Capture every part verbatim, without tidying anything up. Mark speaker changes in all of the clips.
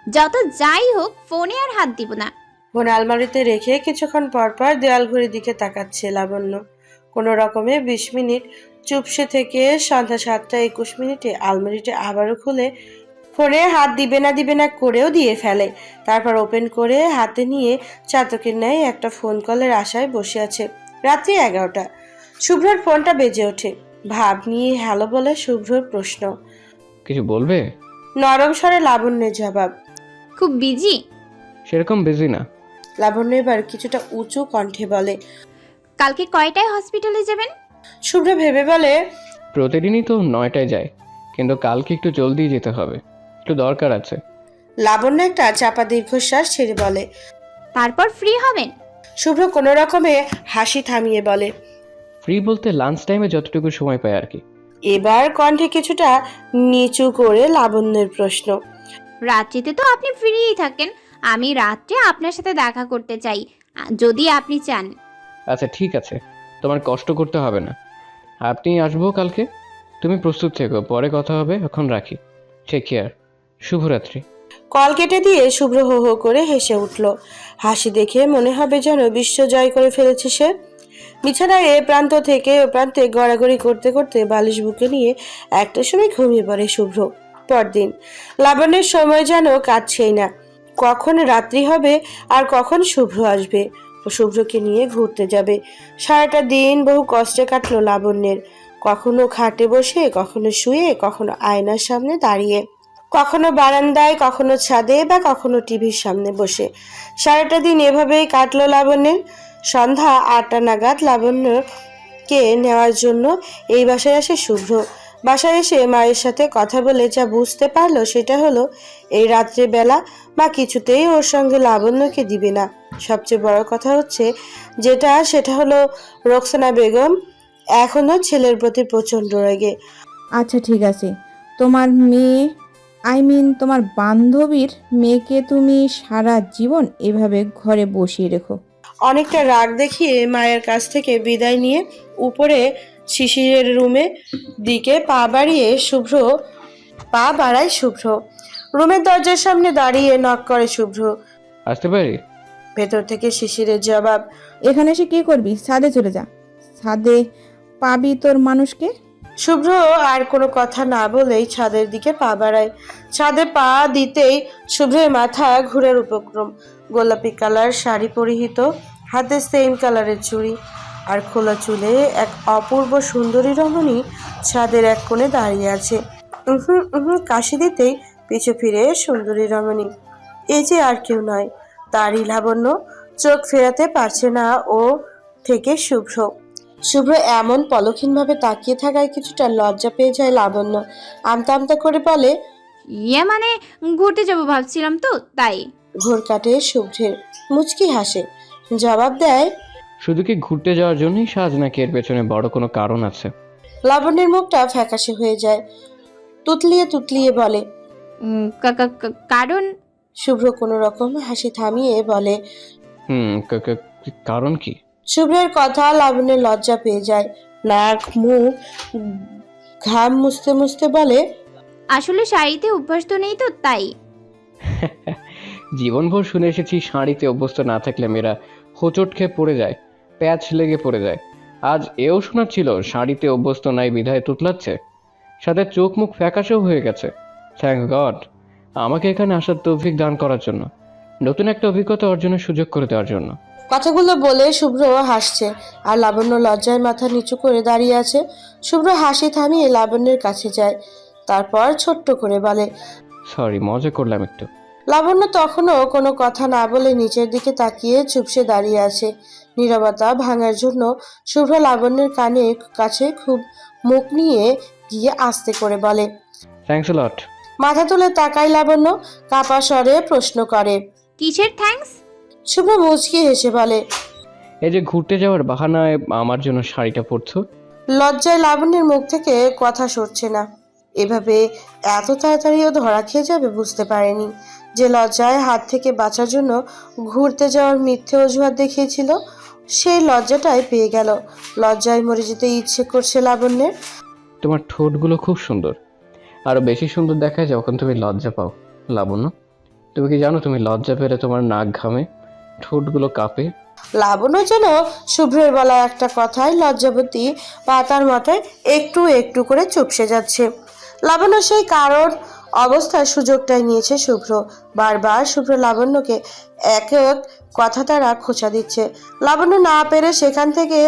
Speaker 1: যত যাই হোক ফোনে আর হাত দিব না।
Speaker 2: ফোন আলমারিতে রেখে কিছুক্ষণ পর পর দেয়াল ঘড়ির দিকে তাকাচ্ছে লাবণ্য। কোনো রকমে বিশ মিনিট চুপসে থেকে সন্ধ্যা সাতটা একুশ মিনিটে আলমারিটা আবারও খুলে ফোনে হাত দিবে না দিবে না করেও দিয়ে ফেলে। তারপর ওপেন করে হাতে নিয়ে চাতকের ন্যায় একটা ফোন কলের আশায় বসে আছে। রাত্রি এগারোটা। শুভ্রর ফোনটা বেজে ওঠে। ভাব নিয়ে হ্যালো বলে শুভ্রর প্রশ্ন।
Speaker 3: কিছু বলবে?
Speaker 2: নরম স্বরে লাবণ্যের জবাব।
Speaker 1: খুব বিজি?
Speaker 3: সেরকম বিজি না।
Speaker 2: লাবণ্য এবার কিছুটা উঁচু কণ্ঠে বলে।
Speaker 1: কালকে কয়টায় হসপিটালে যাবেন?
Speaker 2: শুভ্র ভেবে বলে,
Speaker 3: প্রতিদিনই তো নয়টায় যায়, কিন্তু কালকে একটু জলদি যেতে হবে, একটু দরকার আছে।
Speaker 2: লাবণ্য একটা চাপা দীর্ঘশ্বাস ছেড়ে বলে।
Speaker 1: তারপর ফ্রি হবেন?
Speaker 2: শুভ্র কোনো রকমে হাসি থামিয়ে বলে,
Speaker 3: ফ্রি বলতে লাঞ্চ টাইমে যতটুকু সময় পায় আর কি।
Speaker 2: এবার কণ্ঠে কিছুটা নিচু করে লাবণ্যের প্রশ্ন।
Speaker 1: রাত্রিতে তো আপনি ফ্রিই থাকেন, আমি রাত্রে আপনার সাথে দেখা করতে চাই, আ- যদি আপনি চান।
Speaker 3: আচ্ছা ঠিক আছে, তোমার কষ্ট করতে হবে না, আপনি আসবো কালকে। তুমি প্রস্তুত থেকো, পরে কথা হবে, এখন রাখি। টেক কেয়ার, শুভরাত্রি।
Speaker 2: কল কেটে দিয়ে শুভ্র হো হো করে হেসে উঠল। হাসি দেখে মনে হবে যেন বিশ্ব জয় করে ফেলেছে সে। বিছানায় এ প্রান্ত থেকে ও প্রান্তে গড়াগড়ি করতে করতে বালিশ বুকে নিয়ে একটা সময় ঘুমিয়ে পড়ে শুভ্র। পরদিন লাবণ্যের সময় যেন কাটছেই না। কখন রাত্রি হবে আর কখন শুভ্র আসবে ও শুভ্রকে নিয়ে ঘুরতে যাবে। সারাটা দিন বহু কষ্টে কাটলো লাবণ্যের। কখনো খাটে বসে, কখনো শুয়ে, কখনো আয়নার সামনে দাঁড়িয়ে, কখনো বারান্দায়, কখনো ছাদে বা কখনো টিভির সামনে বসে। সারাটা দিন এভাবেই কাটলো লাবণ্যের। সন্ধ্যা আটটা নাগাদ লাবণ্যকে নেওয়ার জন্য এই বাসায় আসে শুভ্র। বাসায় এসে মায়ের সাথে কথা বলে যা বুঝতে পারলো সেটা হলো এই রাত্রে বেলা মা কিছুতেই ওর সঙ্গে লাবণ্যকে দিবে না। সবচেয়ে বড় কথা হচ্ছে যেটা, সেটা হলো রোকসানা বেগম এখনো ছেলের প্রতি প্রচণ্ড রেগে।
Speaker 4: আচ্ছা ঠিক আছে, তোমার মেয়ে, আই মিন তোমার বান্ধবীর মেয়েকে তুমি সারা জীবন এভাবে ঘরে বসিয়ে রেখো।
Speaker 2: অনেকটা রাগ দেখিয়ে মায়ের কাছ থেকে বিদায় নিয়ে উপরে শিশিরের রুমে দিকে পা বাড়িয়ে শুভ্র পা বাড়ায় শুভ্র। রুমের দরজার সামনে দাঁড়িয়ে নক করে শুভ্র।
Speaker 3: আসতে পারি?
Speaker 2: ভেতর থেকে শিশিরের জবাব।
Speaker 4: এখানে এসে কি করবি? ছাদে চলে যা, ছাদে পাবি তোর মানুষকে।
Speaker 2: শুভ্র আর কোনো কথা না বলেই ছাদের দিকে পা বাড়ায়। ছাদে পা দিতেই শুভ্রের মাথা ঘুরের উপক্রম। গোলাপি কালার শাড়ি পরিহিত, হাতে সেম কালারের চুড়ি আর খোলা চুলে এক অপূর্ব সুন্দরী রমণী ছাদের এক কোণে দাঁড়িয়ে আছে। উহু উহু কাশি দিতেই পিছু ফিরে সুন্দরী রমণী। এই যে আর কেউ নয়, তারই লাবণ্য। চোখ ফেরাতে পারছে না ও থেকে শুভ্র। শুভ্র এমন পলক্ষীনভাবে তাকিয়ে থাকায় কিছুটা লজ্জা পেয়ে যায় লাবণ্য। আমতা আমতা করে বলে,
Speaker 1: ইয়ে মানে ঘুরতে যাবো ভাবছিলাম তো, তাই।
Speaker 2: ঘোর কাটে শুভ্রের, মুচকি হাসে, জবাব দেয়।
Speaker 3: শুধু কি ঘুরতে যাওয়ার জন্যই সাজ, নাকি এর পেছনে বড় কোনো কারণ আছে?
Speaker 2: লাবণ্যের মুখটা ফ্যাকাশে হয়ে যায়। তুতলিয়ে তুতলিয়ে বলে।
Speaker 1: উম, কা- কা- কা- কারণ
Speaker 2: শুভ্র কোনো রকম হাসি থামিয়ে বলে।
Speaker 3: হুম কা- কা- কারণ কি?
Speaker 2: শুভ্রের কথা লাবণ্যের লজ্জা পেয়ে যায়। নাক মুখ ঘাম মুছতে মুছতে বলে,
Speaker 1: আসলে শাড়িতে অভ্যাস তো নেই তো, তাই।
Speaker 3: জীবনভর শুনে এসেছি শাড়িতে অভ্যস্ত না থাকলে মেয়েরা হোঁচট খেয়ে পড়ে যায়, প্যাচ লেগে পড়ে যায়। আজ এও শোনাচ্ছিল শাড়িতে অভ্যস্ত নাই বিধায় তুতলাচ্ছে, সাথে চোখ মুখ ফ্যাকাশেও হয়ে গেছে। থ্যাংক গড আমাকে এখানে আসার তৌফিক দান করার জন্য, নতুন একটা অভিজ্ঞতা অর্জনের সুযোগ করে দেওয়ার জন্য।
Speaker 2: কথাগুলো বলে শুভ্র হাসছে আর লাবণ্য লজ্জায় মাথা নিচু করে দাঁড়িয়ে আছে। শুভ্র হাসি থামিয়ে লাবণ্যের কাছে যায়, তারপর ছোট্ট করে বলে,
Speaker 3: সরি, মজা করলাম একটু।
Speaker 2: লাবণ্য তখনও কোনো কথা না বলে নিচের দিকে তাকিয়ে চুপসে দাঁড়িয়ে আছে। নীরবতা ভাঙার জন্য শুভ্র লাবণ্যের কানে কাছে খুব মুখ নিয়ে গিয়ে আস্তে করে বলে,
Speaker 3: থ্যাংকস লট।
Speaker 2: মাথা তুলে তাকায় লাবণ্য, কাপা স্বরে প্রশ্ন করে।
Speaker 1: কিসের থ্যাঙ্কস?
Speaker 2: শুভ্র মুচকি হেসে বলে,
Speaker 3: এই যে ঘুরতে যাওয়ার বাহানায় আমার জন্য শাড়িটা পরছো।
Speaker 2: লজ্জায় লাবণ্যের মুখ থেকে কথা সরছে না। এভাবে এত তাড়াতাড়িও ধরা খেয়ে যাবে বুঝতে পারেনি। যে লজ্জায় হাত থেকে বাঁচার জন্য ঘুরতে যাওয়ার মিথ্যে অজুহাত দেখিয়েছিল, সেই লজ্জাটাই পেয়ে গেল। লজ্জায় মরে যেতে ইচ্ছে করছে লাবণ্যের।
Speaker 3: তোমার ঠোঁটগুলো খুব সুন্দর, আরো বেশি সুন্দর দেখায় যখন তুমি লজ্জা পাও লাবণ্য। তুমি কি জানো তুমি লজ্জা পেলে তোমার নাক ঘামে, ঠোঁটগুলো কাঁপে?
Speaker 2: লাবণ্য যেন শুভ্রের বলা একটা কথায় লজ্জাবতী পাতার মাথায় একটু একটু করে চুপসে যাচ্ছে। লাবণ্য সেই কারণ অবস্থার সুযোগটাই নিয়েছে শুভ্র। বারবার শুভ্র লাবণ্যকে এক এক কথা তারা খোঁচা দিচ্ছে। লাবণ্য না পেরে সেখান থেকে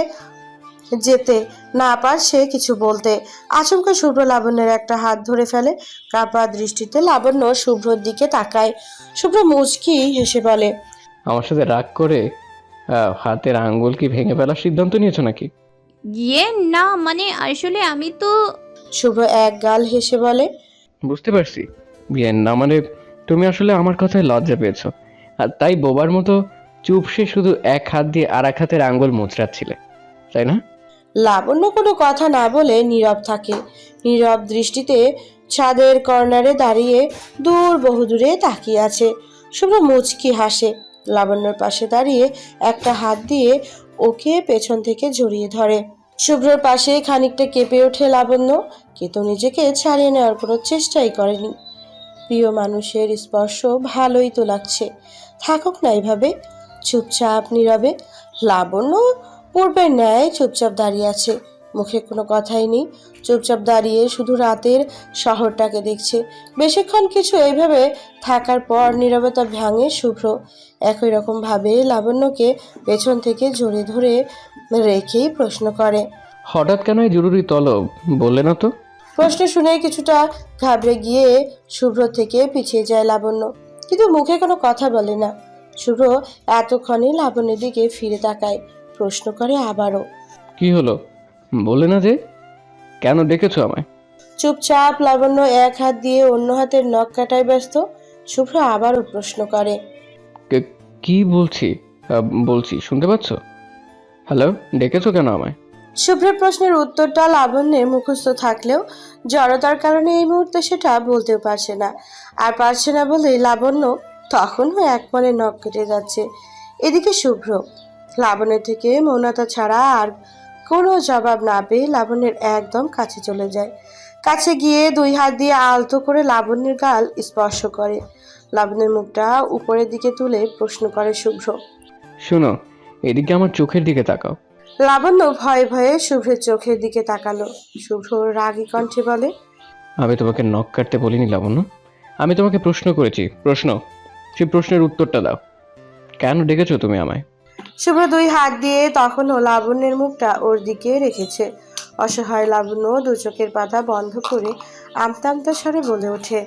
Speaker 2: যেতে না পারছে কিছু বলতে। আচমকা শুভ্র লাবণ্যের একটা হাত ধরে ফেলে। কাঁপা দৃষ্টিতে লাবণ্য শুভ্রর দিকে তাকায়। শুভ্র মুচকি হেসে বলে,
Speaker 3: আমার সাথে রাগ করে আহ, হাতের আঙ্গুল কি ভেঙে ফেলার সিদ্ধান্ত নিয়েছো নাকি?
Speaker 1: ইয়ে না, মানে আসলে আমি তো
Speaker 2: শুভ্র এক গাল হেসে বলে,
Speaker 3: বুঝতে পারছি বিয়ে না, মানে তুমি আসলে আমার কথায় লজ্জা পেয়েছো, আর তাই বোবার মতো চুপসে শুধু এক হাত দিয়ে আর এক হাতের আঙ্গুল মুচড়াচ্ছিলে, তাই না?
Speaker 2: লাবণ্য কোনো কথা না বলে নীরব থাকে। নীরব দৃষ্টিতে ছাদের কর্নারে দাঁড়িয়ে দূর বহুদূরে তাকিয়ে আছে। শুভ্র মুচকি হাসে। লাবণ্যর পাশে দাঁড়িয়ে একটা হাত দিয়ে ওকে পেছন থেকে জড়িয়ে ধরে। শুভ্রর পাশে খানিকটা কেঁপে ওঠে লাবণ্য, কিন্তু নিজেকে ছাড়িয়ে নেওয়ার কোনো চেষ্টাই করেনি। প্রিয় মানুষের স্পর্শ ভালোই তো লাগছে, থাকুক না এইভাবে চুপচাপ নীরবে। লাবণ্য পূর্বের ন্যায় চুপচাপ দাঁড়িয়ে আছে, মুখে কোনো কথাই নেই। চুপচাপ দাঁড়িয়ে শুধু রাতের শহরটাকে দেখছে। বেশিক্ষণ কিছু এইভাবে থাকার পর নীরবতা ভাঙে শুভ্র। একই রকম ভাবে লাবণ্যকে পেছন থেকে জড়িয়ে ধরে রেখেই প্রশ্ন করে।
Speaker 3: হঠাৎ কেন এই জরুরি তলব বললে না তো?
Speaker 2: প্রশ্ন শুনে কিছুটা ঘাবড়ে গিয়ে শুভ্র থেকে পিছিয়ে যায় লাবণ্য, কিন্তু মুখে কোনো কথা বলে না। শুভ্র এতক্ষণে লাবণ্যের দিকে ফিরে তাকায়, প্রশ্ন করে আবারও।
Speaker 3: কি হলো বললে না যে? কেন ডেকেছো আমায়?
Speaker 2: চুপচাপ লাবণ্য এক হাত দিয়ে অন্য হাতের নখ কাটায় ব্যস্ত। শুভ্র আবারও প্রশ্ন করে।
Speaker 3: কে- কি বলছি? আহ, বলছি, শুনতে পাচ্ছ? হ্যালো, ডেকেছো কেন আমায়?
Speaker 2: শুভ্রের প্রশ্নের উত্তরটা লাবণ্যের মুখস্থ থাকলেও জড়তার কারণে এই মুহূর্তে সেটা বলতেও পারছে না। আর পারছে না বলেই লাবণ্য তখনও এক মনে নখ কেটে যাচ্ছে। এদিকে শুভ্র লাবণ্যের থেকে মৌনতা ছাড়া আর কোনো জবাব না পেয়ে লাবণ্যের একদম কাছে চলে যায়। কাছে গিয়ে দুই হাত দিয়ে আলতো করে লাবণ্যের গাল স্পর্শ করে। লাবণ্যের মুখটা উপরের দিকে তুলে প্রশ্ন করে শুভ্র।
Speaker 3: শোনো, এদিকে আমার চোখের দিকে তাকাও।
Speaker 2: লাবণ্য ভয়ে ভয়ে শুভ্রের চোখের দিকে তাকালো। শুভ্র রাগী কণ্ঠে বলে,
Speaker 3: আমি তোমাকে নখ কাটতে বলিনি লাবণ্য, আমি তোমাকে প্রশ্ন করেছি, প্রশ্ন, সেই প্রশ্নের উত্তরটা দাও। কেন ডেকেছো তুমি আমায়?
Speaker 2: শুভ্র দুই হাত দিয়ে তখনও লাবণ্যের মুখটা ওর দিকে রেখেছে। অসহায় লাবণ্য দু চোখের পাতা বন্ধ করে আমতা আমতা স্বরে বলে ওঠে।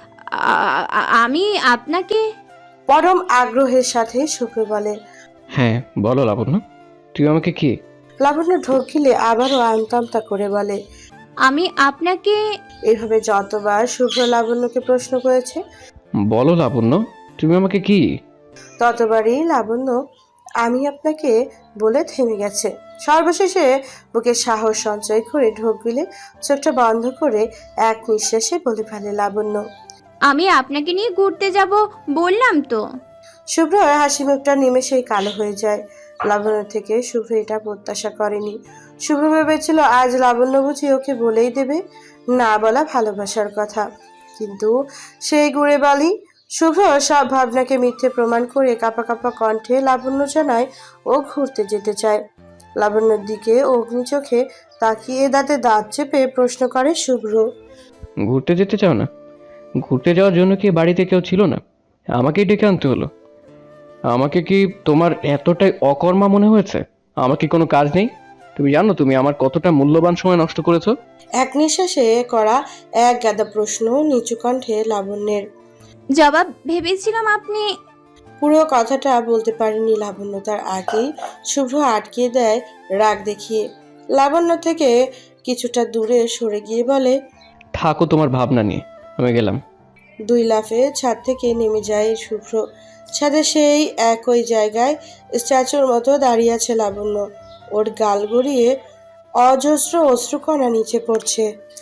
Speaker 1: আ- আ- আমি আপনাকে
Speaker 2: পরম আগ্রহের সাথে শুভ্র বলে।
Speaker 3: হ্যাঁ বলো লাবণ্য, তুমি আমাকে কি?
Speaker 2: লাবণ্য ঢোক গিলে আবারও আমতা আমতা করে বলে।
Speaker 1: আমি আপনাকে
Speaker 2: এভাবে যতবার শুভ্র লাবণ্যকে প্রশ্ন করেছে
Speaker 3: বলো লাবণ্য, তুমি আমাকে কি?
Speaker 2: ততবারই লাবণ্য আমি আপনাকে বলে থেমে গেছে। সর্বশেষে বুকে সাহস সঞ্চয় করে ঢোক গিলে চোখটা বন্ধ করে এক নিঃশ্বাসে বলে ফেলে লাবণ্য।
Speaker 1: আমি আপনাকে নিয়ে ঘুরতে যাব বললাম তো।
Speaker 2: শুভ্র হাসি মুখটা নিমেষেই কালো হয়ে যায়। লাবণ্য থেকে শুভ্র এটা প্রত্যাশা করেনি। শুভ্র ভেবেছিল আজ লাবণ্য বুঝি ওকে বলেই দেবে না বলা ভালোবাসার কথা, কিন্তু সেই গুড়ে বালি। শুভ্র সব ভাবনাকে মিথ্যে প্রমাণ করে কাঁপা কাঁপা কণ্ঠে লাবণ্য জানায় ও ঘুরতে যেতে চায়। লাবণ্যর দিকে অগ্নি চোখে তাকিয়ে দাঁতে দাঁত চেপে প্রশ্ন করে শুভ্র।
Speaker 3: ঘুরতে যেতে চাও না? ঘুরতে যাওয়ার জন্য কি বাড়িতে কেউ ছিল না? আমাকেই ডেকে আনতে হলো? আমাকে কি তোমার এতটাই অকর্মা মনে হয়েছে? আমার কি কোনো কাজ নেই? তুমি জানো তুমি আমার কতটা মূল্যবান সময় নষ্ট করেছো?
Speaker 2: এক নিঃশ্বাসে করা এক গাদা প্রশ্ন নিচু কণ্ঠে লাবণ্যের।
Speaker 1: জবাব ভেবেছিলাম আপনি
Speaker 2: পুরো কথাটা বলতে পারেনি লাবণ্য, তার আগেই শুভ্র আটকিয়ে দেয় রাগ দেখিয়ে। লাবণ্য থেকে কিছুটা দূরে সরে গিয়ে বলে,
Speaker 3: থাকো তোমার ভাবনা নিয়ে, আমি গেলাম।
Speaker 2: দুই লাফে ছাদ থেকে নেমে যায় শুভ্র। ছাদে সেই একই জায়গায় স্ট্যাচুর মতো দাঁড়িয়ে আছে লাবণ্য। ওর গাল গড়িয়ে অজস্র অশ্রুকণা নিচে পড়ছে।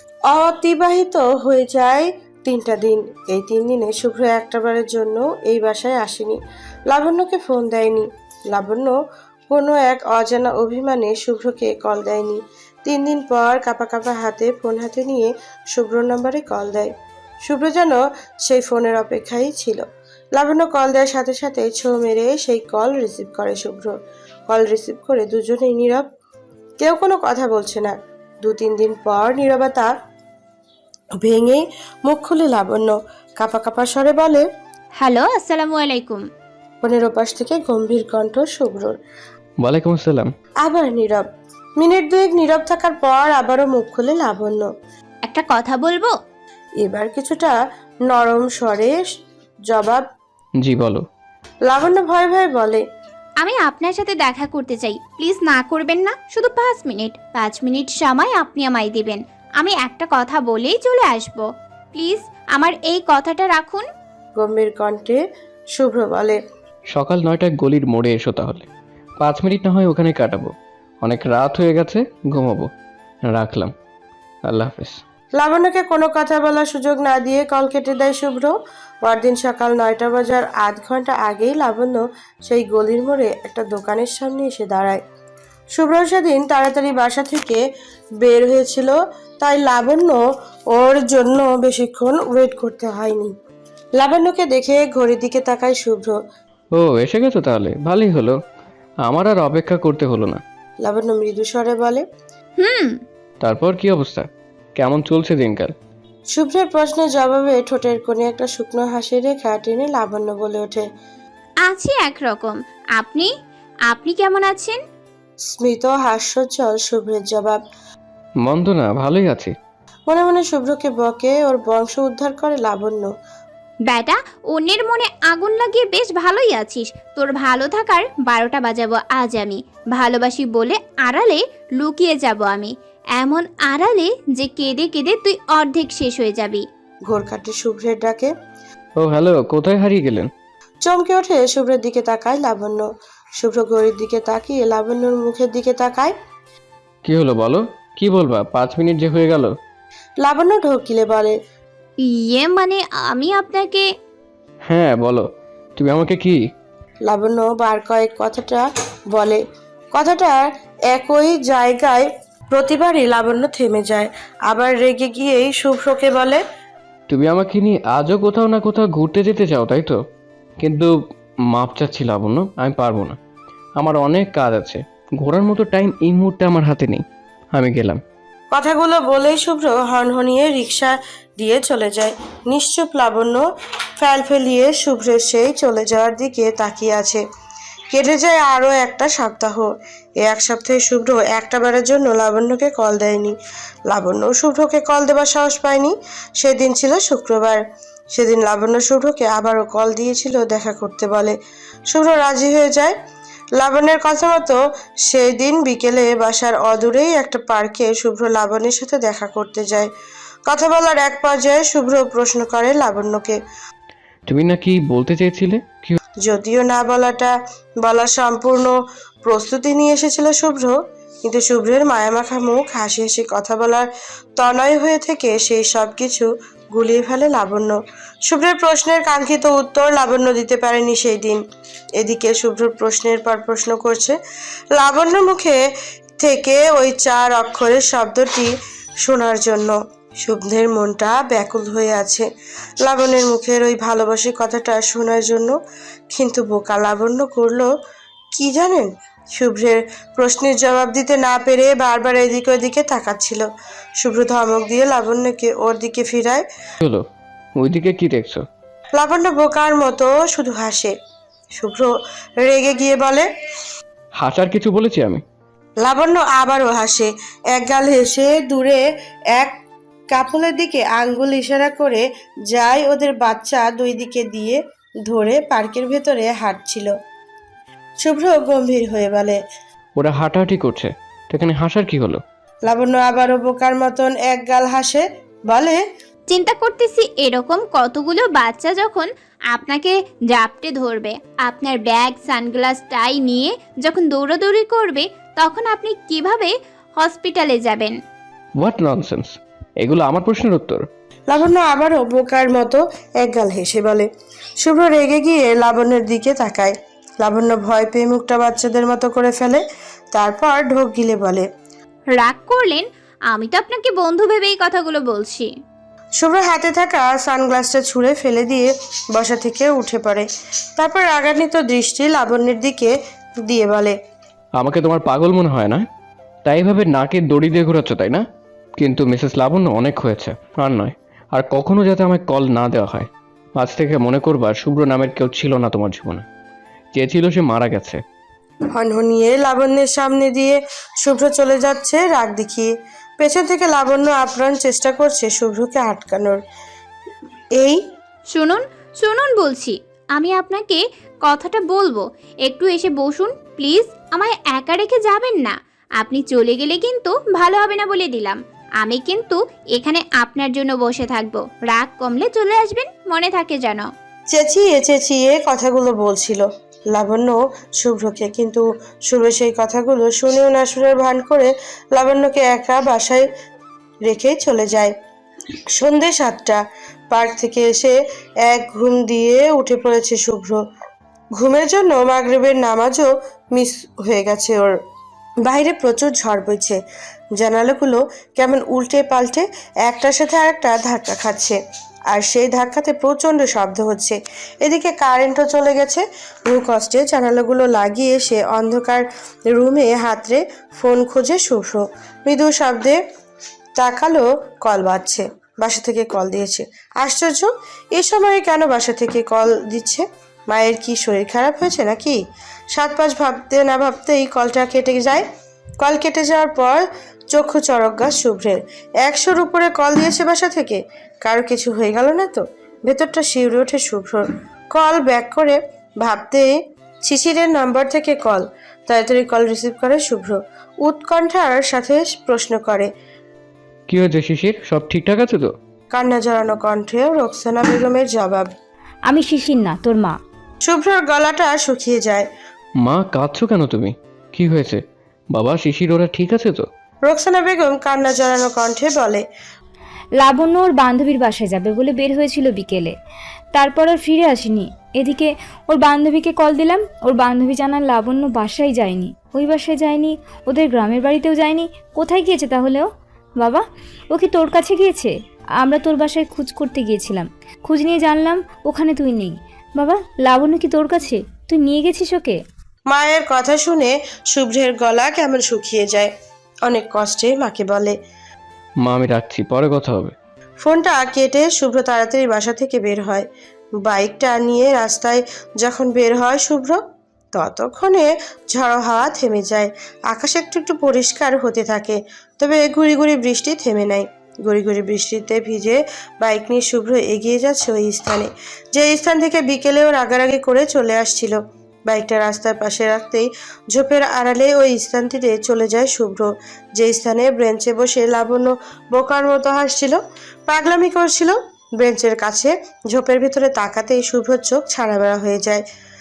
Speaker 2: অতিবাহিত হয়ে যায় তিনটা দিন। এই তিন দিনে শুভ্র একটাবারের জন্য এই বাসায় আসেনি, লাবণ্যকে ফোন দেয়নি। লাবণ্য কোনো এক অজানা অভিমানে শুভ্রকে কল দেয়নি। তিন দিন পর কাঁপা কাঁপা হাতে ফোন হাতে নিয়ে শুভ্র নম্বরে কল দেয়। শুভ্র যেন সেই ফোনের অপেক্ষায় ছিল। লাবণ্য কল দেওয়ার সাথে সাথে ছো মেরে সেই কল রিসিভ করে শুভ্র। কল রিসিভ করে দুজনেই নীরব, কেউ কোনো কথা বলছে না। দু তিন দিন পর নীরবতা ভেঙে মুখ খুলে লাবণ্য কাপা কাপা স্বরে বলে,
Speaker 1: হ্যালো, আসসালামু আলাইকুম।
Speaker 2: ফোনের ওপাশ থেকে গম্ভীর কণ্ঠ শুভ্রর।
Speaker 3: ওয়ালাইকুম আসসালাম।
Speaker 2: আবার নীরব। মিনিট দুয়েক নীরব থাকার পর আবারও মুখ খুলে লাবণ্য।
Speaker 1: একটা কথা বলবো?
Speaker 2: এবার কিছুটা নরম স্বরে জবাব।
Speaker 3: জি বলো।
Speaker 2: লাবণ্য ভয় ভয় বলে,
Speaker 1: আমি আপনার সাথে দেখা করতে চাই, প্লিজ না করবেন না। শুধু পাঁচ মিনিট পাঁচ মিনিট সময় আপনি আমায় দিবেন। আমি একটা কথা বলেই চলে আসব। প্লিজ আমার এই কথাটা রাখুন।
Speaker 2: গম্ভীর কণ্ঠে শুভ্র বলে,
Speaker 3: সকাল নয়টায় গলির মোড়ে এসো তাহলে। পাঁচ মিনিট না হয় ওখানে কাটাবো, অনেক রাত হয়ে গেছে, ঘুমাবো। রাখলাম, আল্লাহ হাফেজ।
Speaker 2: লাবণ্যকে কোনো কথা বলার সুযোগ না দিয়ে কল কেটে দেয় শুভ্র। পরদিন সকাল নয়টা বাজার আধ ঘন্টা আগেই লাবণ্য সেই গলির মোড়ে একটা দোকানের সামনে এসে দাঁড়ায়। শুভ্র সেদিন তাড়াতাড়ি বাসা থেকে বের হয়েছিল, তাই লাবণ্য ওর জন্য বেশিক্ষণ ওয়েট করতে হয়নি। লাবণ্যকে দেখে ঘড়ির দিকে তাকায় শুভ্র।
Speaker 3: ও এসে গেছো তাহলে, ভালোই হলো, আমার আর অপেক্ষা করতে হলো না।
Speaker 2: লাবণ্য মৃদু স্বরে বলে,
Speaker 1: হুম।
Speaker 3: তারপর কি অবস্থা, কেমন চলছে দিনকাল?
Speaker 2: শুভ্রের প্রশ্নের জবাবে ঠোঁটের কোণে একটা শুকনো হাসির রেখা টেনে লাবণ্য বলে ওঠে,
Speaker 1: আছি একরকম। আপনি আপনি কেমন আছেন?
Speaker 2: স্মিত হাস্যোজ্জ্বল শুভ্রের জবাব।
Speaker 3: মন্দ না, ভালোই আছি।
Speaker 2: মনে মনে শুভ্রকে বকে ওর বংশ উদ্ধার করে লাবণ্য।
Speaker 1: বেটা, অন্যের মনে আগুন লাগিয়ে বেশ ভালোই আছিস। তোর ভালো থাকার বারোটা বাজাবো আজ আমি। ভালোবাসি বলে আড়ালে লুকিয়ে যাব আমি, এমন আড়ালে যে কেঁদে কেঁদে তুই অর্ধেক শেষ হয়ে যাবি।
Speaker 2: ঘোর কাটে শুভ্রের ডাকে।
Speaker 3: ও হ্যালো, কোথায় হারিয়ে গেলেন?
Speaker 2: চমকে ওঠে শুভ্রের দিকে তাকায় লাবণ্য। শুভ্র ঘড়ির দিকে তাকিয়ে লাবণ্যর মুখের দিকে তাকায়।
Speaker 3: কি হলো বলো, কি বলবা? পাঁচ মিনিট যে হয়ে গেল।
Speaker 2: লাবণ্য ঢোকিলে বলে,
Speaker 1: ইয়ে মানে আমি আপনাকে।
Speaker 3: হ্যাঁ বলো, তুমি আমাকে কি?
Speaker 2: লাবণ্য বার কয়েক কথাটা বলে। কথাটা একই জায়গায় প্রতিবারই লাবণ্য থেমে যায়, আবার রেগে গিয়েই শুভ্রকে বলে,
Speaker 3: তুমি আমাকে নিয়ে আজও কোথাও না কোথাও ঘুরতে যেতে চাও তাই তো? কিন্তু মাপ চাচ্ছি লাবণ্য, আমি পারবো না। আমার অনেক কাজ আছে, ঘোরার মতো টাইম এই মুহূর্তে আমার হাতে নেই। আমি গেলাম।
Speaker 2: কথাগুলো বলেই শুভ্র হনহনিয়ে রিক্সা দিয়ে চলে যায়। নিশ্চুপ লাবণ্য ফেল ফেলিয়ে শুভ্রের সেই চলে যাওয়ার দিকে তাকিয়ে আছে। কেটে যায় আরও একটা সপ্তাহ। এ এক সপ্তাহে শুভ্র একটা বারের জন্য লাবণ্যকে কল দেয়নি। লাবণ্য শুভ্রকে কল দেবার সাহস পায়নি। সেদিন ছিল শুক্রবার। সেদিন লাবণ্য শুভ্রকে আবারও কল দিয়েছিল, দেখা করতে বলে। শুভ্র রাজি হয়ে যায়। লাবণ্যের কথা মতো সেই দিন বিকেলে বাসার অদূরেই একটা পার্কে শুভ্র লাবণ্যের সাথে দেখা করতে যায়। কথা বলার এক পর্যায়ে শুভ্র প্রশ্ন করে লাবণ্যকে,
Speaker 3: তুমি নাকি বলতে চেয়েছিলে কি?
Speaker 2: যদিও না বলাটা বলার সম্পূর্ণ প্রস্তুতি নিয়ে এসেছিল শুভ্র, কিন্তু শুভ্রের মায়ামাখা মুখ, হাসি হাসি কথা বলার তনয় হয়ে থেকে সেই সব কিছু গুলিয়ে ফেলে লাবণ্য। শুভ্রের প্রশ্নের কাঙ্ক্ষিত উত্তর লাবণ্য দিতে পারেনি সেই দিন। এদিকে শুভ্র প্রশ্নের পর প্রশ্ন করছে। লাবণ্য মুখে থেকে ওই চার অক্ষরের শব্দটি শোনার জন্য শুভ্রের মনটা ব্যাকুল হয়ে আছে লাবণ্যের মুখের ওই ভালোবাসি কথাটা শোনার জন্য। কিন্তু বোকা লাবণ্য করলো কি জানেন? শুভ্রের প্রশ্নের জবাব দিতে না পেরে বারবার এদিকে ওদিকে তাকাচ্ছিল। শুভ্র ধমক দিয়ে লাবণ্যকে ওর দিকে ফিরায়।
Speaker 3: হলো, ওইদিকে কি দেখছো?
Speaker 2: লাবণ্য বোকার মতো শুধু হাসে। শুভ্র রেগে গিয়ে বলে,
Speaker 3: হাসার কিছু বলেছি আমি?
Speaker 2: লাবণ্য আবারও হাসে। একগাল হেসে দূরে এক কাপলের দিকে আঙ্গুল ইশারা করে যায় ওদের বাচ্চা দুই দিকে দিয়ে ধরে পার্কের ভেতরে হাঁটছিল। শুভ্র গম্ভীর হয়ে বলে,
Speaker 3: ওরা হাঁটাহাঁটি করছে, তো এখানে হাসার কি হলো?
Speaker 2: লাবণ্য আবারও বোকার মতন এক গাল হাসে, বলে,
Speaker 1: চিন্তা করতেছি এরকম কতগুলো বাচ্চা যখন আপনাকে জাপটে ধরবে, আপনার ব্যাগ সানগ্লাস টাই নিয়ে যখন দৌড়াদৌড়ি করবে, তখন আপনি কিভাবে হসপিটালে যাবেন?
Speaker 3: হোয়াট ননসেন্স, এগুলো আমার প্রশ্নের উত্তর?
Speaker 2: লাবণ্য আবারও বোকার মতো একগাল হেসে বলে। শুভ্র রেগে গিয়ে লাবণ্যের দিকে তাকায়। লাবণ্য ভয় পেয়ে মুখটা বাচ্চাদের মতো করে ফেলে, তারপর ঢোক গিলে বলে,
Speaker 1: রাগ করলেন? আমি তো আপনাকে বন্ধু ভেবে এই কথাগুলো বলছি।
Speaker 2: শুভ্র হাতে থাকা সানগ্লাসটা ছুঁড়ে ফেলে দিয়ে বসা থেকে উঠে পড়ে। তারপর রাগান্বিত দৃষ্টি লাবণ্যের দিকে দিয়ে বলে,
Speaker 3: আমাকে তোমার পাগল মনে হয় না? তাই ভাবে নাকে দড়ি দিয়ে ঘোরাচ্ছ, তাই না? কিন্তু মিসেস লাবণ্য, অনেক হয়েছে, আর নয়। আর কখনো যাতে আমায় কল না দেওয়া হয়। আজ থেকে মনে করবা শুভ্র নামের কেউ ছিল না তোমার জীবনে। যে ছিল সে মারা গেছে।
Speaker 2: হনহনিয়ে লাবণ্যের সামনে দিয়ে শুভ্র চলে যাচ্ছে রাগ দেখিয়ে। পেছন থেকে লাবণ্য আপ্রাণ চেষ্টা করছে শুভ্রকে আটকানোর। এই
Speaker 1: শুনুন শুনুন বলছি, আমি আপনাকে কথাটা বলবো, একটু এসে বসুন প্লিজ। আমায় একা রেখে যাবেন না। আপনি চলে গেলে কিন্তু ভালো হবে না বলে দিলাম। আমি কিন্তু এখানে আপনার জন্য বসে থাকবো। রাগ কমলে চলে আসবেন, মনে থাকে যেন।
Speaker 2: চেঁচিয়ে চেঁচিয়ে কথাগুলো বলছিল লাবণ্য শুভ্রকে, কিন্তু শুভ্র সেই কথাগুলো শুনেও না শুনের ভান করে লাবণ্যকে একা বাসায় রেখেই চলে যায়। সন্ধে সাতটা। পার্ক থেকে এসে এক ঘুম দিয়ে উঠে পড়েছে শুভ্র। ঘুমের জন্য মাগরিবের নামাজও মিস হয়ে গেছে ওর। বাইরে প্রচুর ঝড় বইছে। জানালাগুলো কেমন উল্টে পাল্টে একটার সাথে আরেকটা ধাক্কা খাচ্ছে, আর সেই ধাক্কাতে প্রচণ্ড শব্দ হচ্ছে। এদিকে কারেন্টও চলে গেছে। বহু কষ্টে জানালাগুলো লাগিয়ে সে অন্ধকার রুমে হাতড়ে ফোন খোঁজে শুভ্র। মৃদু শব্দে তাকালো, কল বাজছে। বাসা থেকে কল দিয়েছে। আশ্চর্য, এ সময়ে কেন বাসা থেকে কল দিচ্ছে? মায়ের কি শরীর খারাপ হয়েছে নাকি? সাত পাঁচ ভাবতে না ভাবতেই কলটা কেটে যায়। কল কেটে যাওয়ার পর চক্ষু চড়ক গাছ শুভ্রের। একশোর উপরে কল দিয়েছে বাসা থেকে। কারো কিছু হয়ে গেল না তো? ভেতরটা শিউরে ওঠে শুভ্রর। কল ব্যাক করে ভাবতে শিশিরের নাম্বার থেকে কল। তাড়াতাড়ি কল রিসিভ করে শুভ্র। উৎকণ্ঠার সাথে প্রশ্ন করে,
Speaker 3: কি হয়েছে শিশির, সব ঠিকঠাক আছে তো?
Speaker 2: কান্না জড়ানো কণ্ঠে রোকসানা বেগমের জবাব,
Speaker 5: আমি শিশির না, তোর মা।
Speaker 2: শুভ্রর গলাটা শুকিয়ে যায়।
Speaker 3: মা, কাঁদছো কেন তুমি? কি হয়েছে? বাবা, শিশির ওরা ঠিক আছে তো?
Speaker 2: রোকসানা বেগম কান্না জড়ানো কণ্ঠে বলে,
Speaker 5: লাবণ্য ওর বান্ধবীর বাসায় যাবে বলে বের হয়েছিল বিকেলে, তারপর আর ফিরে আসেনি। এদিকে ওর বান্ধবীকে কল দিলাম, ওর বান্ধবী জানান লাবণ্য বাসায় যায়নি, ওই বাসায় যায়নি, ওদের গ্রামের বাড়িতেও যায়নি। কোথায় গিয়েছে তাহলে ও? বাবা, ও কি তোর কাছে গিয়েছে? আমরা তোর বাসায় খোঁজ করতে গিয়েছিলাম, খোঁজ নিয়ে জানলাম ওখানে তুই নেই। বাবা, লাবণ্য কি তোর কাছে? তুই নিয়ে গেছিস ওকে?
Speaker 2: মায়ের কথা শুনে শুভ্রের গলা কেমন শুকিয়ে যায়। অনেক কষ্টে মাকে বলে,
Speaker 3: মা, আমি রাখছি, পরে কথা হবে।
Speaker 2: ফোনটা কেটে শুভ্র তাড়াতাড়ি বাসা থেকে বের হয়। বাইকটা নিয়ে রাস্তায় যখন বের হয় শুভ্র, ততক্ষণে ঝড়ো হাওয়া থেমে যায়। আকাশ একটু একটু পরিষ্কার হতে থাকে, তবে গুড়ি গুড়ি বৃষ্টি থেমে নাই। গুড়ি গুড়ি বৃষ্টিতে ভিজে বাইক নিয়ে শুভ্র এগিয়ে যাচ্ছে ওই স্থানে, যে স্থান থেকে বিকেলেও রাগারাগি করে চলে আসছিল। বাইকটা রাস্তার পাশে রাখতেই ঝোপের আড়ালে ওই স্থানটিতে চলে যায় শুভ্র, যে স্থানে বেঞ্চে বসে লাবণ্য বোকার মতো হাসছিল, পাগলামি করছিল। বেঞ্চের কাছে ঝোপের ভিতরে তাকাতেই শুভ্রর চোখ ছাড়া বেড়া হয়ে যায়।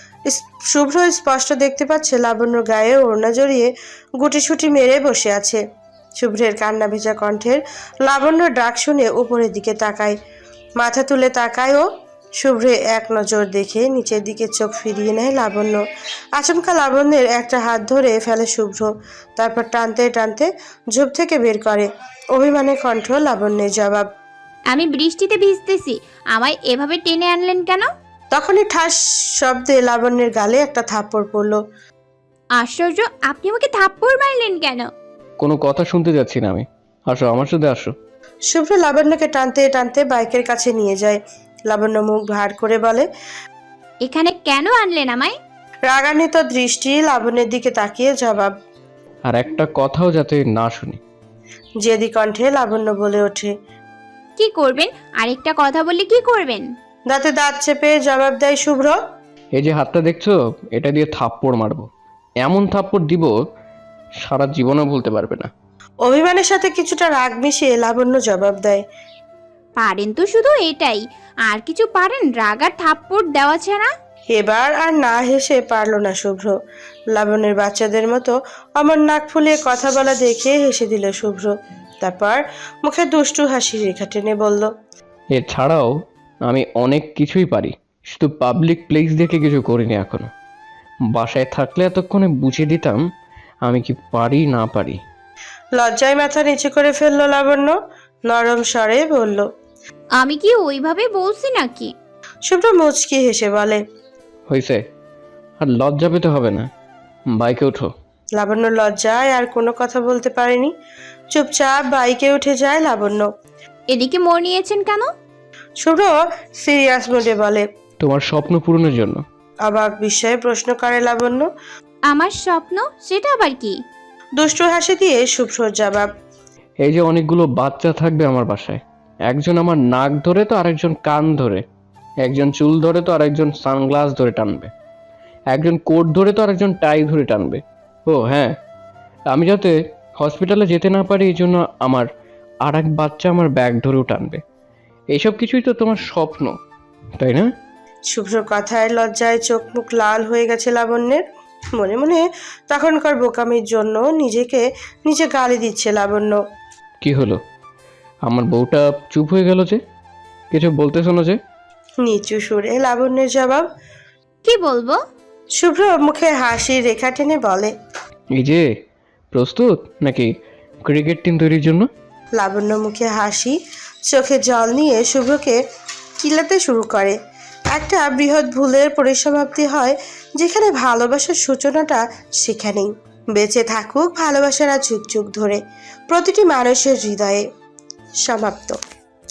Speaker 2: শুভ্র স্পষ্ট দেখতে পাচ্ছে লাবণ্যর গায়ে ওড়না জড়িয়ে গুটিসুটি মেরে বসে আছে। শুভ্রের কান্না ভেজা কণ্ঠের লাবণ্যর ডাক শুনে উপরের দিকে তাকায়, মাথা তুলে তাকায় ও। শুভ্রে এক নজর দেখে নিচের দিকে চোখ ফিরিয়ে নেয় লাবণ্য। আচমকা লাবণ্যের একটা হাত ধরে ফেলে শুভ্র, তারপর টানতে টানতে ঝোপ থেকে বের করে। অভিমানে কণ্ঠ লাবণ্যের জবাব,
Speaker 1: আমি বৃষ্টিতে ভিজতেছি, আমায় এভাবে টেনে আনলেন কেন?
Speaker 2: তখনই ঠাস শব্দে লাবণ্যের গালে একটা থাপ্পড় পড়ল।
Speaker 1: আশ্চর্য, আপনি আমাকে থাপ্পড় মারলেন কেন?
Speaker 3: কোনো কথা শুনতে যাচ্ছি না আমি। আসো, আমার সাথে আসো।
Speaker 2: শুভ্র লাবণ্যকে টানতে টানতে বাইকের কাছে নিয়ে যায়। লাবণ্য মুখ ভার করে বলে,
Speaker 1: এখানে কেন আনলেন আমায়?
Speaker 2: রাগান্বিত দৃষ্টি লাবণ্যের দিকে তাকিয়ে জবাব,
Speaker 3: আর একটা কথাও যাতে না শুনি।
Speaker 2: জেদি কণ্ঠে লাবণ্য বলে ওঠে।
Speaker 1: কি করবেন? আরেকটা কথা বললে কি করবেন?
Speaker 2: দাঁতে দাঁত চেপে জবাব দেয় শুভ্র,
Speaker 3: এই যে হাতটা দেখছো, এটা দিয়ে থাপ্পড় মারবো। এমন থাপ্পড় দিব সারা জীবনও ভুলতে পারবে না।
Speaker 2: অভিমানের সাথে কিছুটা রাগ মিশিয়ে লাবণ্য জবাব দেয়,
Speaker 1: পারেন তো শুধু এটাই, আর কিছু পারেন রাগ আর থাপ্পড় দেওয়া ছাড়া?
Speaker 2: এবার আর না হেসে পারল না শুভ্র। লাবণ্যের বাচ্চাদের মতো অমর নাক ফুলিয়ে কথা বলা দেখে হেসে দিল শুভ্র। তারপর মুখে দুষ্টু হাসি রেখা টেনে বলল,
Speaker 3: এছাড়াও আমি অনেক কিছুই পারি, শুধু পাবলিক প্লেস দেখে কিছু করিনি এখনো। বাসায় থাকলে এতক্ষণে বুঝিয়ে দিতাম আমি কি পারি না পারি।
Speaker 2: লজ্জায় মাথা নিচু করে ফেললো লাবণ্য। নরম স্বরে বলল,
Speaker 1: আমি কি ওইভাবে বলছি নাকি?
Speaker 2: শুভ্র মুচকি হেসে বলে।
Speaker 3: হয়েছে, আর লজ্জা পেতে হবে না, বাইকে ওঠো।
Speaker 2: লাবণ্য লজ্জায় আর কোনো কথা বলতে পারেনি, চুপচাপ বাইকে উঠে যায় লাবণ্য।
Speaker 1: এদিকে মোড় নিয়েছেন কেন?
Speaker 2: শুভ্র সিরিয়াস মুডে বলে।
Speaker 3: তোমার স্বপ্ন পূরণের জন্য।
Speaker 2: অবাক বিস্ময়ে প্রশ্ন করে লাবণ্য।
Speaker 1: আমার স্বপ্ন? সেটা আবার কি?
Speaker 2: দুষ্টু হাসি দিয়ে শুভ্রর জবাব।
Speaker 3: এই যে অনেকগুলো বাচ্চা থাকবে আমার বাসায়, একজন আমার নাক ধরে তো আরেকজন কান ধরে, একজন চুল ধরে তো আরেকজন সানগ্লাস ধরে টানবে, একজন কোট ধরে তো আরেকজন টাই ধরে টানবে। ও হ্যাঁ, আমি যাতে হসপিটালে যেতে না পারি এই জন্য আমার আর এক বাচ্চা আমার ব্যাগ ধরেও টানবে। এইসব কিছুই তো তোমার স্বপ্ন, তাই না?
Speaker 2: শুভ্র কথায় লজ্জায় চোখ মুখ লাল হয়ে গেছে লাবণ্যের। মনে মনে তখনকার বোকামির জন্য নিজেকে নিজে গালি দিচ্ছে লাবণ্য।
Speaker 3: কি হলো, আমার বউটা চুপ হয়ে গেল যে? কিছু বলতেছো না যে?
Speaker 2: নিচু সুরে লাবণ্যের জবাব।
Speaker 1: কি বলবো?
Speaker 2: শুভ্র মুখে হাসির রেখা টেনে বলে।
Speaker 3: এই যে প্রস্তুত নাকি ক্রিকেট টিম তৈরির জন্য?
Speaker 2: লাবণ্য মুখে হাসি, চোখে জল নিয়ে শুভ্রকে কিলাতে শুরু করে। একটা বৃহৎ ভুলের পরিসমাপ্তি হয় যেখানে ভালোবাসার সূচনাটা সেখানেই। বেঁচে থাকুক ভালোবাসার আর যুগ যুগ ধরে প্রতিটি মানুষের হৃদয়ে। সমাপ্ত।